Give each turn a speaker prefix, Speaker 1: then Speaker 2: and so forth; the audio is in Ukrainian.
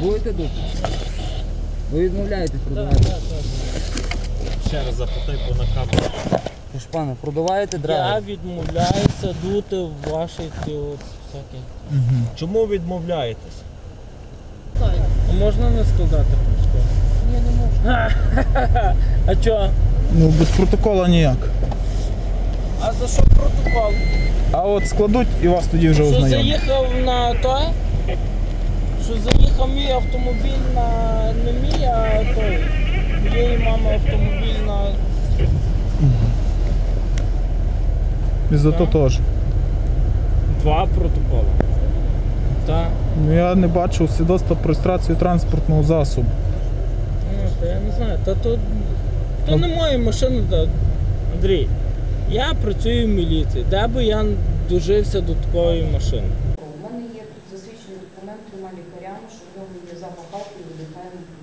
Speaker 1: Будете дути? Ви відмовляєтесь продавати?
Speaker 2: Так.
Speaker 3: Ще раз запитай, бо на камеру.
Speaker 1: Тож, пане, продаваєте
Speaker 2: Я
Speaker 1: драйвер?
Speaker 2: відмовляюся дути в ваші ті от всякі.
Speaker 3: Чому відмовляєтесь?
Speaker 2: А можна не складати протокол?
Speaker 1: Ні, не можна.
Speaker 2: А чого?
Speaker 4: Ну, без протоколу ніяк.
Speaker 2: А за що протокол?
Speaker 4: А от складуть і вас тоді вже
Speaker 2: Що
Speaker 4: ознайомлять.
Speaker 2: заїхав на той? Що заїхав мій автомобіль на не мій, а той. Моєї мами автомобіль на...
Speaker 4: І за то теж.
Speaker 2: 2 протоколи. Так.
Speaker 4: Ну, я не бачив свідоцтва про реєстрацію транспортного засобу.
Speaker 2: Ну, та я не знаю. То не моя машина, Андрій. Я працюю в міліції. Де би я дожився до такої машини?
Speaker 5: У мене є тут засвідчений документ 3 лікарям, що в нього є запах алкоголю, видихаємо